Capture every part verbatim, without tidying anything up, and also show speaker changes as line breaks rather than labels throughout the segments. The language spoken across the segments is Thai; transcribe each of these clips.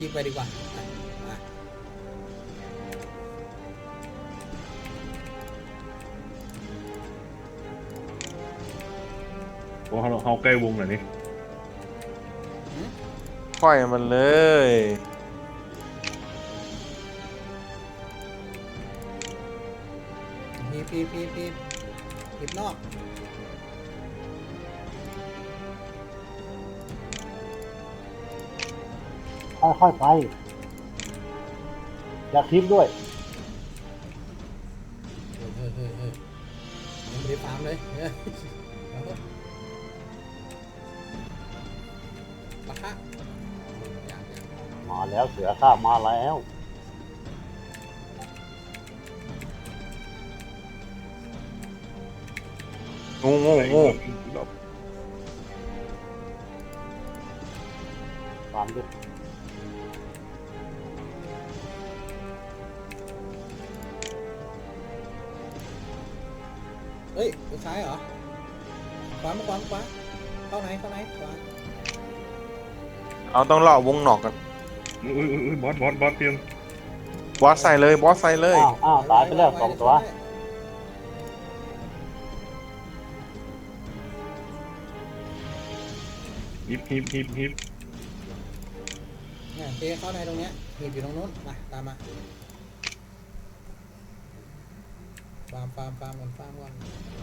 ยิงไปดีกว่ามา
โอ้เขาเขาใกล้วงหน่อยนี่
ปล่อยมันเลย
พีบพีบพีบพีบพีบนอก
ค่อยๆไปอย่าคลิปด้วย
เฮ้ยเฮ้ยเฮ้ยเฮ้ยยังไม่ได้ฟาร์มเลยเฮ้ยเอาเถอะปะทะอย่างอย่าง
มาแล้วเสือข้ามาแล้ว
งูงูงู
ตามด้วย
เฮ้ยไปซ้ายเหรอขวามาขวามาขวาเข้าไหนเข้าไหนขวา
เอาต้องเลาะวงหนอกกัน
อุ้ยอุ้ยอุ้ยบอสบอสบอสเตรียม
บอสใส่เลยบอสใส่เลย
อ้าวอ้าวตายไปแล้วสองตัว
ฮิปฮิปฮิปฮิป
เนี่ยเจเข้าในตรงเนี้ยหีบอยู่ตรงนู้นมาตามมาฟาร์มฟาร์มฟาร์มก่อนฟาร์มก่อน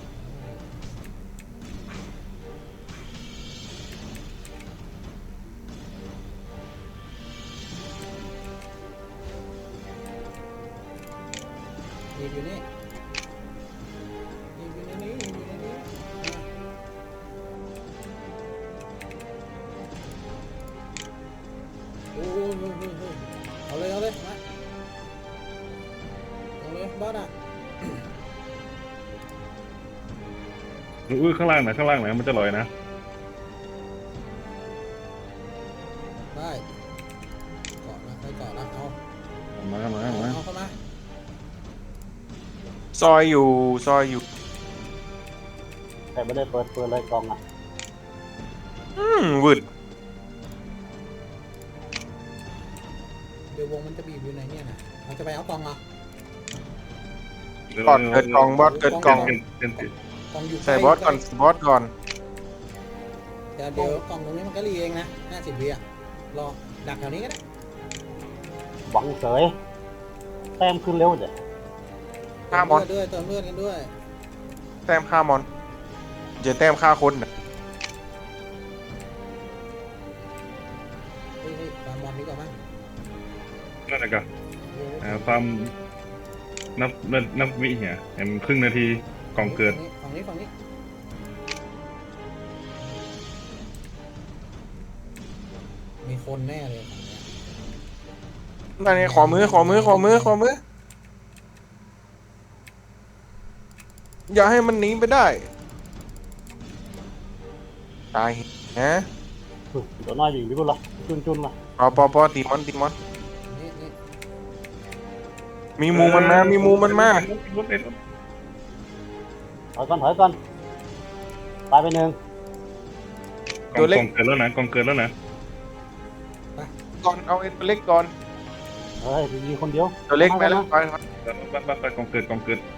หีบอยู่นี่หีบอยู่ในนี้หีบอยู่ในนี้มาโอ้ยเฮ้ยเฮ้ยเฮ้ยเอาเลยเอาเลยมาเอาเลยบอสอ่ะ
อุ้ยข้างล่างไหนข้างล่างไหนมันจะลอยนะ
ได้เกาะนะไปเกาะนะเอา
มามา
เอา
มา
เอาเข้ามา
ซอยอยู่ซอยอยู่
แต่ไม่ได้เปิดเปิดเลยกล่องอ่ะ
อืมวืด
เดี๋ยววงมันจะบีบอยู่ในเนี่ยนะเราจะไปเอากล่องเหรอบ
อสเกิดกล่องบอสเกิดกล่อง
เป็นเป็นเป็น
กล่องอยู่
ใส่บอสก่อนบอสก่อน
เดี๋ยวเดี๋ยวกล่องตรงนี้มันก็รีเองนะห้าสิบวิอ่ะรอดักแถวนี้ก็ได้
หวังเสยแต้มขึ้นเร็วเดี๋ยว
ฆ่ามอน
เติมเลือดด้วยเติมเลือดกันด้วย
แต้มฆ่ามอนจะแต้มฆ่าคนน่ะ
เฮ้ยเฮ้ยฟาร์มบอลดีกว่ามั้ง
นั่นแหละกัน
เฮ้ย
อ่าความนับนับนับวิเนี่ยเห็นครึ่งนาทีกล่องเกิด
ฝั่งนี้ฝั่งนี้มีคนแน่เลยฝั่งเนี้ย
นั่นไงขอมือขอมือขอมือขอมืออย่าให้มันหนีไปได้ตายฮะ
อุ๊ยเดี๋ยวน้อยวิ่งไปกูละจุนจุนละ
ปอปอปอตีมอนตีมอน
นี่นี่
มีมูมันมามีมูมันมา
รถเอ็ด
ถอยก่อนถอยก่อนตายไปหนึ่ง
กล่องกล่องเกิดแล้วนะกล่องเกิดแล้วนะ
ก่อนเอาไอ้ตัวเล็กก่อน
เฮ้ยมีคนเดียว
ตัวเล็กไปแล้วไป
ไปไปไปกล่องเกิดกล่องเกิด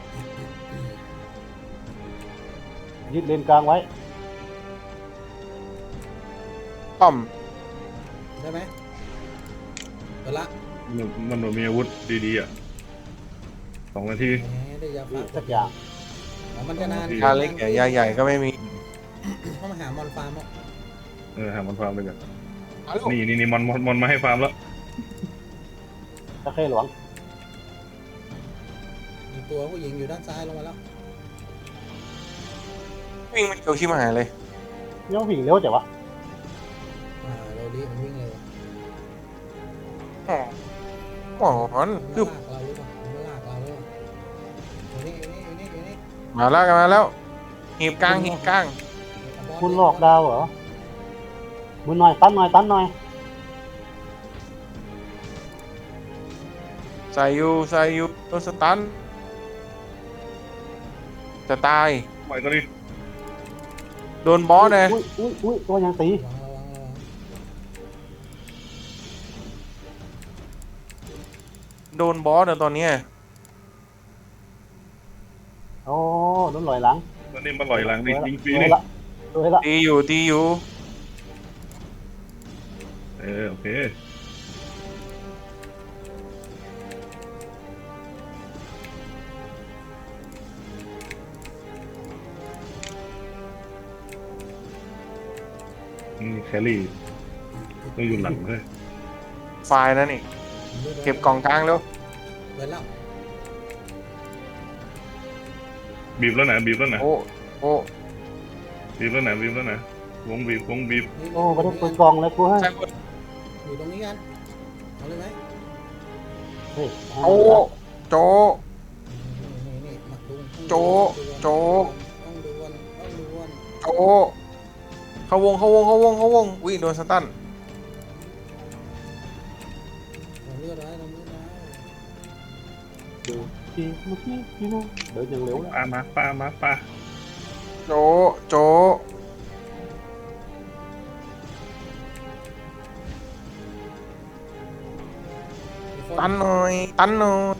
ยึดเลนกลางไว้
ป้อม
ได้ไหมเปิดละ
มันมันมีอาวุธดีๆอ่ะสองนาที
แหมได้ยา
มี
ฟ้า
สักอย่าง
อ๋อมันจะนาน
ยาเล็กยาใหญ่ก็ไม่มี
เข้ามาหามอนฟาร์มอ่ะ
เออหามันฟาร์มไปกัน
เอาลูก
นี่นี่นี่มอนมอนมอนมาให้ฟาร์มแล้ว
ตะเข้หลวง
มีตัวผู้หญิงอยู่ด้านซ้ายลงมาแล้ว
วิ่งมันเกี่ยวชิบหายเลย
ยังวิ่งเร็วจังวะ
อ่าโรลี่มันวิ่งเร็ว
อ๋อหมอน
มัน
คือ
ลากเราหรือเปล่ามันลากเราหรือเปล่าอยู่นี่อยู่นี่อยู่นี่อยู่นี่
มาแล้วกันมาแล้วหีบกลางหีบกลาง
คุณหลอกดาวเหรอมือหน่อยตันหน่อยตันหน่อย
ใส่อยู่ใส่อยู่โดนสตันจะตาย
ปล่อยตัวนี้
โดนบอสเลย
อุ้ยอุ้ยอุ้ยตัวยังตี
ระวังระวังระวัง
โดนบอสอะตอนเนี้ย
โอ้โดนลอยหลัง
ตอนนี้มาลอยหลังดิยิงฟรี
สวย
นี่
ละสวยละ
ตีอยู่ตีอยู่
เออโอเคนี่แครี่ต้องอยู่หลังเลย
ไฟล์นั่นนี่เก็บกล่องกลางแล้ว
เปิดแล้ว
บีบแล้วนะบีบแล้วนะ
โอ้โอ้
บีบแล้วนะบีบแล้วนะวงบีบวงบีบ
นี่
โอ้ไม่ได้เปิดกล่องเลยกูให้
ใช่คน
อยู่ตรงนี้กันเอาเลยไหม
เฮ้ย
โอ้โจ
นี่นี่มาดู
โจโจ
ต้องดูวันต้องดูวัน
โจเข้าวงเข้าวงเข้าวงเข้าวงอุ้ยโดนสตัน
เราเลือดไว้เราเลือดไว้
ดูทีเมื่อกี้ทีนู้นเดินอย่างเร็วแล้ว
ปลามาปลามาปลา
โจโจตันหน่อยตันหน่อย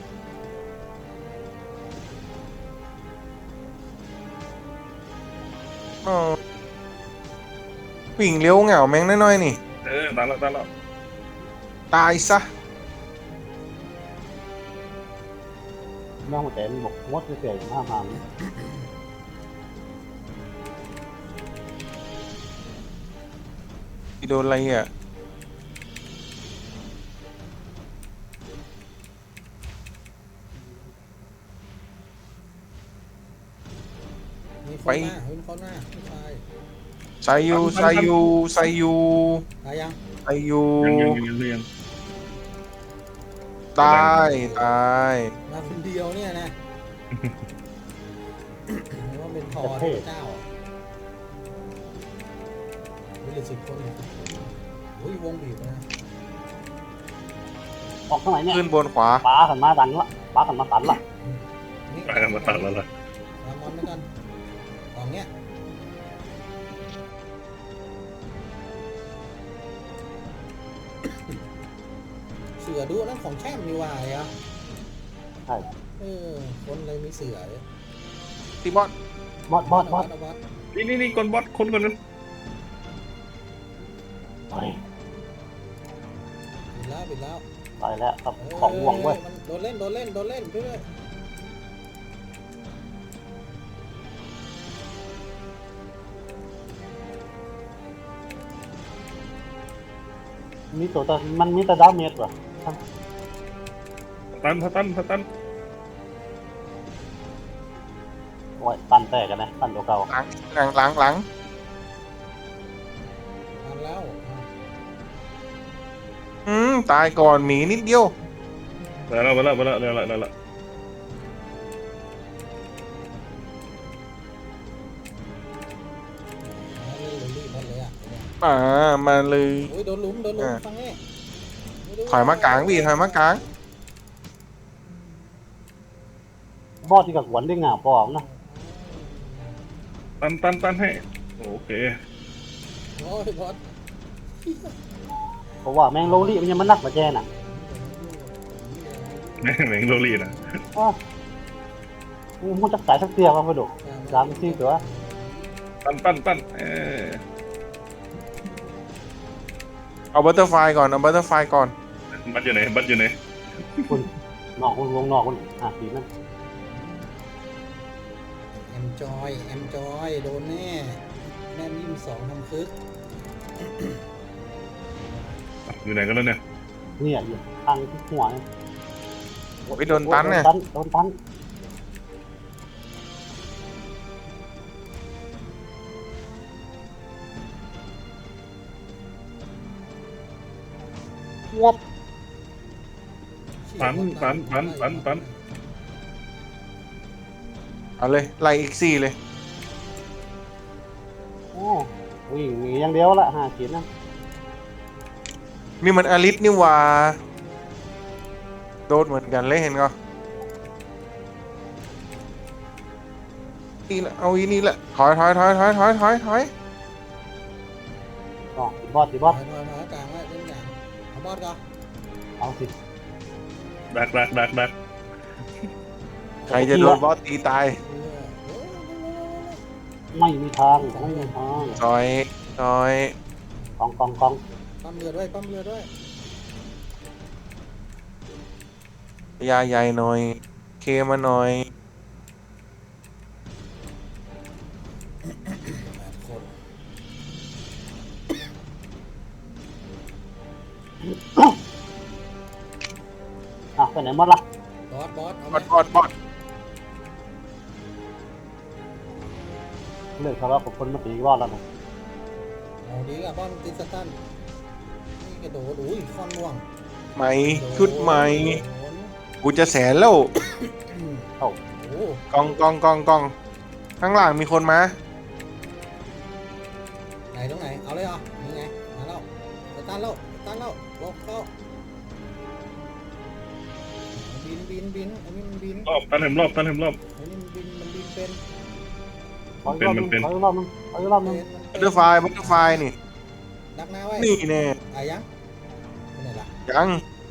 อ๋อวิ่งเร็วเหงาแม่งน้อยๆนี่
เออตายแล้วตายแล้ว
ตายซะ
น้องแต่มันบอกมดเฉยๆห้ามห้าม
โดนอะไรอ่ะ
มีคนหน้ามีคนหน้าผู้ชาย
ไซยูไซยูไซยู
ตายยัง
ไซยู
ยังยังยังยังยัง
ตายตาย
มาคนเดียวเนี่ยนะไม่ว่าเป็นทอเจ้าวิลสิบคนโอ้ยวงบีบนะ
ออกข้างไหนเนี่ย
ขึ้นบนขวา
ป้าขันมาดันละป้าขันมาตันละ
นี่
ตายกันมาตัดแล้วล่ะ
มามอนไปกันกล่องเนี้ยเสือดูนั่นของแช่มมีวายอ่ะ
ใช่
เออคนเลยมีเสือเนี่ย
ตีบอส
บอสบอสบอส
บอส
นี่นี่นี่คนบอสคนคนนั้น
เฮ้ย
ปิดแล้วปิดแล้ว
ตายแล้วครับของห่วงเว้ย
มันโดนเล่นโดนเล่นโดนเล่นเรื่อย
มีตัวแต่มันมีแต่ดาเมจว่ะ
ตันสตันสตัน
โอ้ยตันแตกกันนะตันตัวเก่า
หลังหลังหลังหลัง
ๆทำแล้วอ่ะ
อืมตายก่อนหมีนิดเดียว
แล้วแล้วแล้วแล้วแล้วแล้วแล้ว
เล่นเลยรีบหมดเลยอ่ะ
อ่ามาเลย
โอ้ยโดนลุมโดนลุมฟังนี่
ถอยมากลางพี่ถอยมากลาง
บอสที่กับหวนได้งาปอมนะ
ตันตันตันให้โอเค
โอ้ยบอส
เพราะว่าแมงโลลี่มันยังมันนักมาแจ้น่ะ
แม่งแม่งโรลี่นะ
อ้าวมันจะสายสักเตียมาไปดูสามสี่ตัว
ตันตันตันเออ
เอาบัตเตอร์ไฟก่อนเอาบัตเตอร์ไฟก่อน
บัตอยู่ไหนบัตอยู่ไหน
คุณนอกคุณวงนอกคุณอ่ะสีนั่น
แอมจอยแอมจอยโดนแน่แม่ยิ้มสองทำคึก
อยู่ไหนกันแล้วเนี่ย
เนี่ยอยู่ทางที่หัวเนี่ย
โอ้ยโดนตันเนี่ย
โดนตันโดนตันวบ
ตันตันตันตันตัน
เอาเลยไล่อีกสี่เลย
โอ้วิ่งหนีอย่างเดียวละห้าขีดนะ
นี่มันอลิสนี่หว่าโดนเหมือนกันเลยเห็นก็นี่แหละเอาอีนี่แหละถอยถอยถอยถอยถอยถอยถอย
อ๋อบอสสิบอส
ถอยถอยถอยกลางไว้เล่นอย่างเอาบอสก่อน
เอาสิ
ถ
ดักดักดักดัก
ใครจะโดนบอสตีตาย
เออเออ
ไม่มีทางไม่มีทาง
ซอยซอย
กองกองกอง
ปั๊มเรือด้วยปั๊มเรือด้วย
ยาใหญ่หน่อย เคมาหน่อย
แปดคน
อ่ะไปไหนหมดล่ะ
บอสบอสเอา
บ
ไหม
อดบอดบอด
เลิกทะเลาะกับคนมาตีรอดแล้วนะ
เอาดีกับบอสติสตันนี่กระโดดอุ้ยคอนม่วง
ไหมชุดใหม่
โดน
กูจะแสนแล้ว
เอ้า
โอ้
กองกองกองกองข้างหลังมีคนมา
ไหนตรงไหนเอาเลยเหรอนี่ไงมาแล้วสตันแล้วสตันแล้วลงเข้าบินบินบินอันนี้มันบิน
รอบตันเห็มรอบตันเห็มรอบ
อันนี้มันบินมันบินเป็น
ขออีกรอบนึง
เป็น
ขออีกรอบนึงขออีกรอบนึง
เป็นมัน
บัต
เป็
เตอร์ไฟบัตเตอร์ไฟนี่
ดักหน้าไว้
นี่แน่
อ่ะยังเป็นไหนล่ะ
ยัง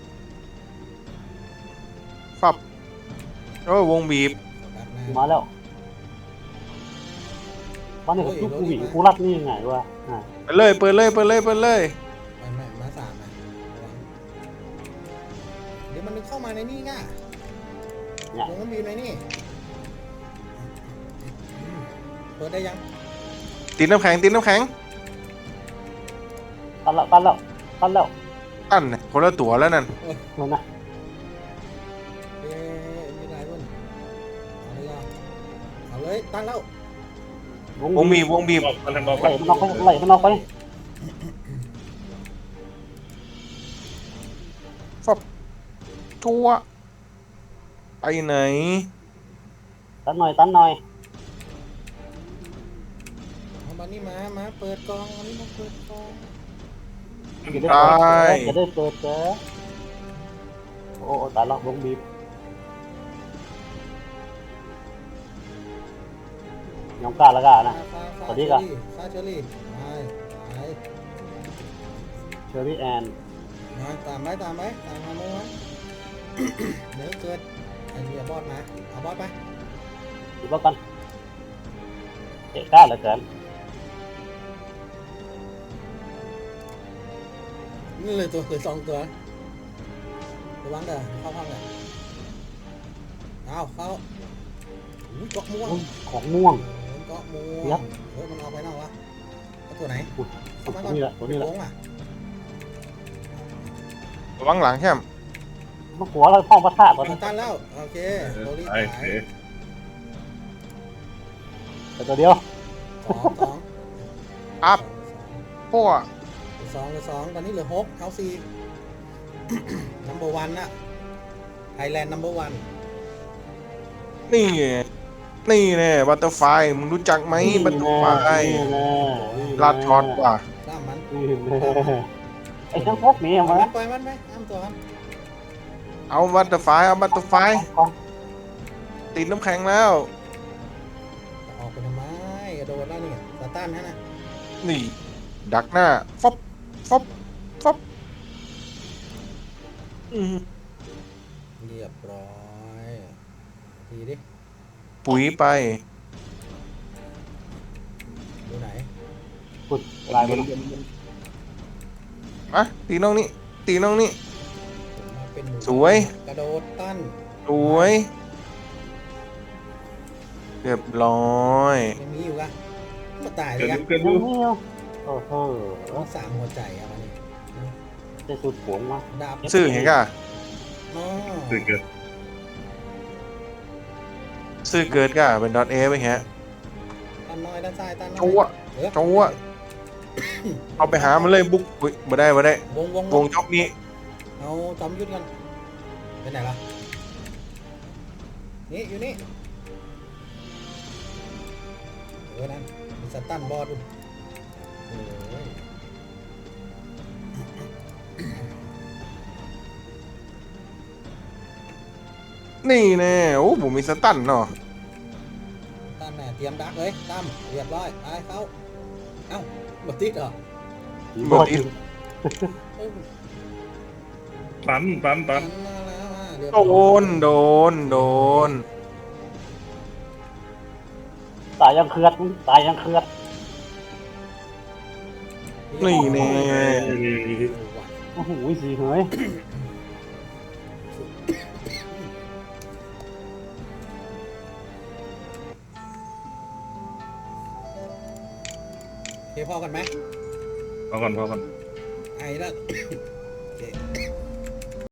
ฟับโอ้ยวงบีบ
ดักหน้า
มาแล้ววันนี้กูกูหวีกูรัดนี่ยังไงวะอ่า
เปิดเลยเปิดเลยเปิดเลยเปิดเลย
ไม่ไม่มาสามนะระวังเดี๋ยวมันนึกเข้ามาในนี่ง่ะ
เนี่ย
ลงน้ำบีมในนี่เปิดได้ยัง
ตีน้ำแข็งตีน้ำแข็ง
ตันแล้วตันแล้วตันแล้ว
อันน่ะคนละตัวแล้วนั่น
เห็นนะ
เอ๊ะมีอะไรบ้างเอาเลยเหรอเอาเลยตั้งแล้ว
วงบีบวงบีบ
รอบตันเห็มรอบ
ไหลมันออกไปไหลมันออกไป
ฟับทั่วไปไหน
ตันหน่อยตันหน่อย
เอามานี่มามาเปิดกองอันนี้มาเปิดกอง
จะได้เปิดจะได้เปิดเจอโอ้ตายแล้ววงบีบยองกล้าละกานะ
ฟาฟา
สวัสดีครับ
ฟาเชอรี่ไปไป
เชอรี่แอน
มาตามไปตามไปตามมาโม้ไว้ เดี๋ยวเกิดไอ้เหี้ยบอสมาเอาบอสไป
ดูบ้ากันเตะกล้าเหลือเกิน
นี่เลยตัวเลยสองตัวระวังเด้อเข้าห้องเลยเอาเข้าอุ้ยเกาะม่วง
ของม่วง
เกาะม่ว
ยั
ง
บ
เฮ้ยมันเอาไปนอกวะเอาตัวไหน
ตัวนี้แหละตัวนี้แหละ
โค้งอ่ะ
ระวังหลังแค่ม
มันหัวเราห้องพระธาตุก่อน
ตันแล้วโอเคโดรี
ไอ้
ตาย
เอ๊ะ
แต่ตัวเดียว
สองสอง
อัพพวก
สองเหลือสองตอนนี้เหลือหกเขาสี่ number one น่ะ Thailand number one
นี่ไงนี่แน่บัตเตอร์ไฟมึงรู้จักไหมบัตเตอร์ไฟลาดช็อตว่ะ
สามมัน
ไอ้ทั้งพวกนี้
ปล่
มา
อยมันปล่อยมันไหมอ้ามตัวมัน
เอาบัตเตอร์ไฟเอาบัตเตอร์ไฟติดน้ำแข็งแล้ว
จะออกไปทำไมกระโดดแล้วนี่สตันฮะนะ
นี่ ดักหน้าฟบฟบฟบอืม
เรียบร้อยดีดิ
ปุ๋ยไป
ดูไหน
ปุดลายมัน
อ่ะตีน้องนี่ตีน้องนี่
ผมมาเป็นหมู
สวย
กระโดดตั้น
สวยเรียบร้อย
ยังมีอยู่กะมาตายเล
เกิ
ย
ด
อะ
ดูเกิด
ยั
ดู
งไม่เอาโอ้โห
ต้องสามหัวใจอะมันนี่
จะสุดผงมา
ดาบ
ซื้อเห็นกะ
อ๋อ
เกิดเกิด
ซื้อเกิดกะเป็นดอทเอไปแฮะ
ตันน้อยด้านซ้ายตันน้อย
จัว
เออ
จัวเอาไปหามันเลยบุกอุ๊ยบ่ได้บ่ได้
วงวง
วงจอกนี้
เอาจอมยุทธกันไปไหนล่ะนี่อยู่นี่เออนั่นมีสตันบอสดูโอ้ย
นี่แน่โอ้ผมมีสตันเนาะ
ตั้มแน่เตรียมดักเลยตั้มเรียบร้อยไปเข้าเอ้าบดติดเหรอ
หมดอีก
เอ้ย
ตันตันตัน
มาแล้วอ่ะเรียบ
โด
ร้อย
นโดนโดน
ตายยังเคลือดตายยังเคลือด
นี่แน่
เออว่ะ
โอ้โหสีเหย
โอเคพอกันไหม
พอก่อนพอก่อน
ไอ้แล้วโอเค